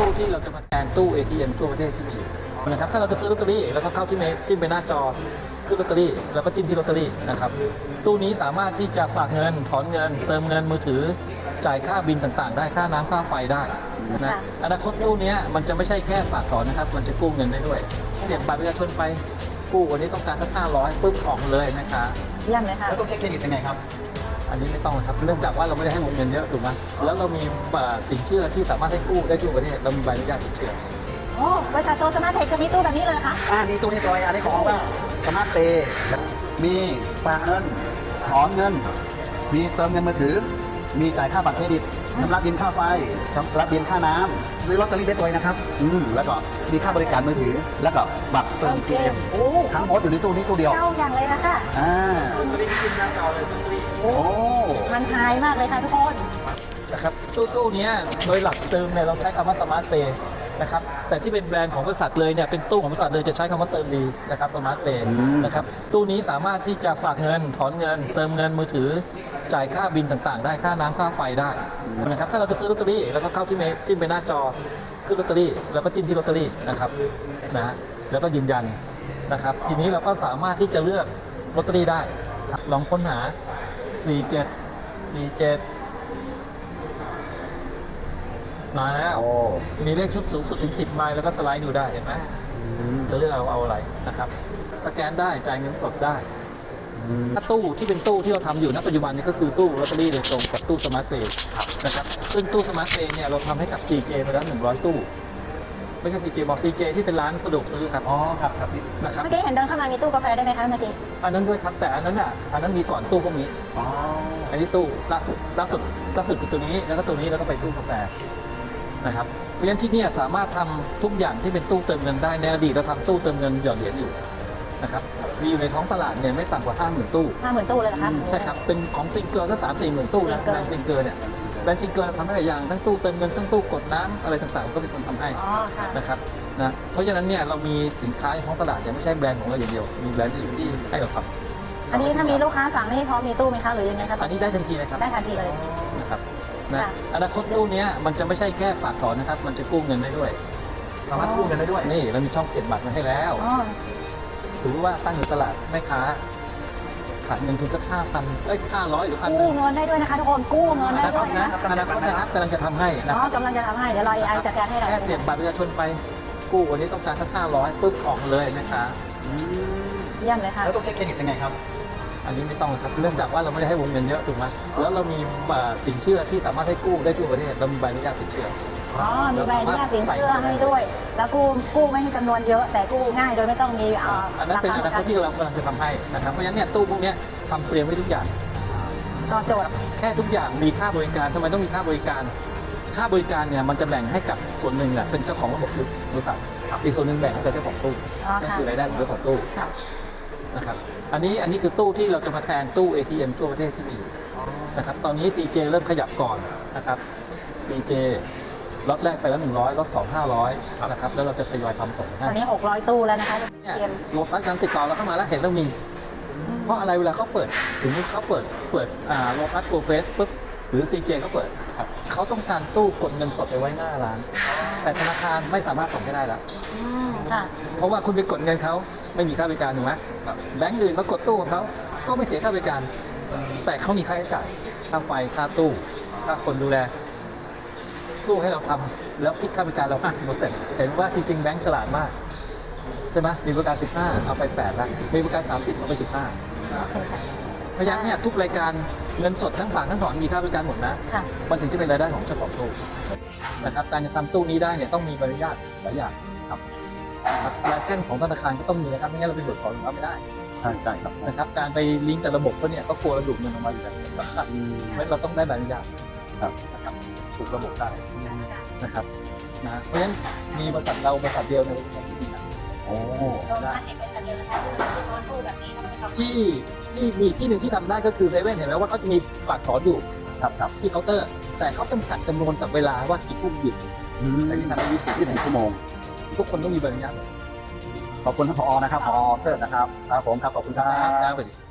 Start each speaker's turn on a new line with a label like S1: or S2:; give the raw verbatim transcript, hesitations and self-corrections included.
S1: ตู้ที่เราจะมาแทนตู้ เอ ที เอ็ม ทั่วประเทศที่มีอยู่นะครับถ้าเราจะซื้อลอตเตอรี่แล้วก็เข้าที่เมนจิ้มไปหน้าจอขึ้นลอตเตอรี่แล้วก็จิ้มที่ลอตเตอรี่นะครับตู้นี้สามารถที่จะฝากเงินถอนเงินเติมเงินมือถือจ่ายค่าบินต่างๆได้ค่าน้ำค่าไฟได้นะอนาคตตู้นี้มันจะไม่ใช่แค่ฝากถอนนะครับมันจะกู้เงินได้ด้วยเสียบบัตรประชาชนไปกู้วันนี้ต้องการสักห้าร้อยปุ๊บออกเลยนะคะ
S2: เยี่ยมเลยค่ะ
S3: แล้วต้องเช็คเครดิตยังไงครับ
S1: อันนี้ไม่ต้องครับเนื่องจากว่าเราไม่ได้ให้วงเงินเยอะถูกไหมแล้วเรามีสินเชื่อที่สามารถให้กู้ได้ทั่วประเทศเรามีใบอนุญาตสินเชื่อ
S2: โอ้บริษัทโซสมาร์ทเทคจะมีตู้แบบนี้เลยคะ
S3: อ่านี่ตู้เรียบร้อยอันนี้ของว่าสมาร์ทเปย์มีฝากเงินถอนเงินมีเติมเงินมือถือมีจ่ายค่าบัตรเครดิตชำระบิลค่าไฟชำระบิลค่าน้ำซื้อลอตเตอรี่ได้ด้วยนะครับอืมแล้วก็มีค่าบริการมือถือแล้วก็บัตรเติมเกมทั้งหมดอยู่ในตู้นี้ตู้เดียว
S2: เจ้าอย่างเลยนะคะ
S3: อ่า
S1: ตัวนี้ขึ้นหน้าจอเลยตู้นี้
S3: โอ้
S2: มันหายมากเลยค่ะทุกคน
S1: นะครับตู้ตู้นี้โดยหลักเติมเนี่ยเราใช้คำว่าสมาร์ทเปย์นะครับแต่ที่เป็นแบรนด์ของบริษัทเลยเนี่ยเป็นตู้ของบริษัทเลยจะใช้คำว่าเติมดีนะครับสมาร์ทเปย์นะครับตู้นี้สามารถที่จะฝากเงินถอนเงินเติมเงินมือถือจ่ายค่าบินต่างๆได้ค่าน้ำค่าไฟได้นะครับถ้าเราจะซื้อลอตเตอรี่แล้วก็เข้าที่เมนจิ้มไปหน้าจอขึ้นลอตเตอรี่แล้วก็จิ้มที่ลอตเตอรี่นะครับนะแล้วก็ยืนยันนะครับทีนี้เราก็สามารถที่จะเลือกลอตเตอรี่ได้ลองค้นหาสี่เจ็ด สี่เจ็ดมาแล้วมีเลขชุดสูงสุดถึงสิบใบแล้วก็สไลด์ดูได้เห็นไหมจะเลือกเอาเอาอะไรนะครับสแกนได้จ่ายเงินสดได้ถ้าตู้ที่เป็นตู้ที่เราทำอยู่ณปัจจุบันนี้ก็คือตู้ลอตเตอรี่โดยตรงกับตู้สมาร์ทเปย์นะครับซึ่งตู้สมาร์ทเปย์เนี่ยเราทำให้กับ ซี เจ ไปแล้วหนึ่งร้อยตู้ไม่ใช่ ซี เจ บอก ซี เจ ที่เป็นร้านสะดวกซื้อครับ
S3: อ๋อครับครับ
S1: นะครับ
S2: เมื่อกี้เห็นเดินเข้ามามีตู้กาแฟได้ไหมคะเมื่อกี้
S1: อันนั้นด้วยครับแต่อันนั้นอ่ะอันนั้นมีก่อนตู้พวกนี้
S3: อ๋อ
S1: อันนี้ตู้ล่าสุดล่าสุดล่าสุดคือตัวนี้แล้วก็ตัวนี้แล้วก็ไปตู้กาแฟนะครับเพราะฉะนั้นที่นี่สามารถทำทุกอย่างที่เป็นตู้เติมเงินได้ในอดีตเราทำตู้เติมเงินหยอดเหรียญอยู่นะครับมีอยู่ในท้องตลาดเนี่ยไม่ต่ำกว่าห้าหมื่นตู้
S2: ห้าหมื่นตู้เลยนะคะ
S1: ใช่ครับเป็นของซิงเกิลก็สามสี่หมื่นตู้นะแบรนด์ซิงเกิลเนี่ยแบรนด์ซิงเกิลทำได้หลายอย่างทั้งตู้เติมเงินทั้งตู้กดน้ำอะไรต่างๆก็เป็นคนทำให้นะครับนะเพราะฉะนั้นเนี่ยเรามีสินค้าในท้องตลาดเนี่ยไม่ใช่แบรนด์ของเราอย่างเดียวมีแบรนด์อื่นที่ให้เราทำ
S2: อันนี้ถ้ามีลูกค้าสั่งนี่พร้อมมีตู้ไหมคะหรือยังไงครับ
S1: อันนี้ได้ทันทีเลยครับ
S2: ได้ทันทีเลย
S1: นะครับนะอนาคตตู้นี้มันจะไม่ใช่แค่ฝากถอนนะครับมันจะกู้เงินได้ด้วย
S3: สามารถกู้เงินได้ด้วย
S1: นี่เรามีช่องเสียบบัตรมาให้แล้วสมมติว่าตั้งอยู่ตลาดแม่ค้าขาดเงินทุนสักห้าพันเอ้ยห้าร้อยหรือพัน
S2: กู้เงินได้ด้วยนะคะทุกคนกู้เงินได้ด้วย
S1: นะอนาคตนะครับกำลังจะทำให้นะ
S2: อ๋อกำลังจะทำให้เดี๋ยวรอไอจัดการให้เรา
S1: แค่เสียบบัตรประชาชนไปกู้วันนี้ต้องการสักห้าร้อยปุ๊บออกเลยนะคะ
S2: เยี่ยมเลยค่ะ
S3: แล้วต้องเช็คเครดิตยังไงครับ
S1: อันนี้ไม่ต้องครับเนื่องจากว่าเราไม่ได้ให้วงเงินเยอะถูกไหมแล้วเรามีสินเชื่อที่สามารถให้กู้ได้ทั่วประเทศเรามีใบอนุญาตสินเชื่อ
S2: อ๋อมีใบอนุญาตสินเชื่อให้ด้วยแล้วกู้กู้ไม่ให้จำนวนเยอะแต่กู้ง่ายโดยไม่ต้องมี
S1: อันนั้นเป็นอนาคตที่เรากำลังจะทำให้นะครับเพราะฉะนั้นเนี่ยตู้พวกนี้ทำเตรียมไว้ทุกอย่าง
S2: ตอบโจทย์
S1: แค่ทุกอย่างมีค่าบริการทำไมต้องมีค่าบริการค่าบริการเนี่ยมันจะแบ่งให้กับส่วนหนึ่งแหละเป็นเจ้าของระบบบริษัทอีกส่วนหนึ่งแบ่งให้กับเจ้าของตู้นั่นคือรายได้ของเจ้าของตู้นะครับอันนี้อันนี้คือตู้ที่เราจะมาแทนตู้ เอ ที เอ็ม ทั่วประเทศที่มีอยู่นะครับตอนนี้ ซี เจ เริ่มขยับก่อนนะครับ ซี เจ ล็อตแรกไปแล้วหนึ่งร้อยล็อตสอง ห้าร้อยนะครับแล้วเราจะทยอยทำส่งให้
S2: ตอนนี้หกร้อยตู้แล้วนะคะ
S1: เนี่ยโลตัสการติดต่อเราเข้ามาแล้วเห็นเรามีเพราะอะไรเวลาเขาเปิดถึงเขาเปิดเปิดอ่าโลตัสโกเฟสปุ๊บหรือ ซี เจ เขาเปิดเขาต้องการตู้กดเงินสดไปไว้หน้าร้านแต่ธนาคารไม่สามารถส่งให้ได้แล้วเพราะว่าคุณไปกดเงินเขาไม่มีค่าบริการถูกไหมแบงก์อื่นมากดตู้ของเขาก็ไม่เสียค่าบริการแต่เขามีค่าใช้จ่ายค่าไฟค่าตู้ค่าคนดูแลสู้ให้เราทำแล้วคิดค่าบริการเรา ห้าสิบเปอร์เซ็นต์ เห็นว่าจริงๆแบงก์ฉลาดมากใช่ไหมมีบริการสิบห้าเอาไปแปดละมีบริการสามสิบเอาไปสิบห้าเพราะฉะนั้นเนี่ยทุกรายการเงินสดทั้งฝากทั้งถอนมีค่าบริการหมดนะมันถึงจะเป็นรายได้ของเจ้าของตู้นะครับการจะทำตู้นี้ได้เนี่ยต้องมีใบอนุญาตหลายอย่างครับลายเส้นของธนาคารก็ต้องมีนะครับไม่งั้นเราไปเบิกถอนเขาไม่ได้
S3: ใช่ใช่ครับ
S1: นะครับการไปลิงก์กับระบบเขาเนี่ยก็กลัวระดุเงินออกมาอยู่แล้วนะครับเราต้องได้ใบอนุญาตนะครับถูกระบบได้นะครับนะเพราะฉะนั้นมีบริษัทเราบริษัทเดียวในประเทศที่มีนะโอ้ที่ที่มีที่หนึ่งที่ทำได้ก็คือเซเว่นเห็นไหมว่าเขาจะมีฝากถอนอยู่
S3: ครับครับ
S1: ที่เคาน์เตอร์แต่เขาจำกัดจำนวนกับเวลาว่ากี่ทุ่มหยุดแต่ที่ทำได้ยี่สิบ
S3: ยี่สิบชั่วโมง
S1: ทุกคนต้องมีใบอนุญาต
S3: ขอบคุณท่านผอนะครับผอเทิดนะครับครับผมครับขอบคุณครับ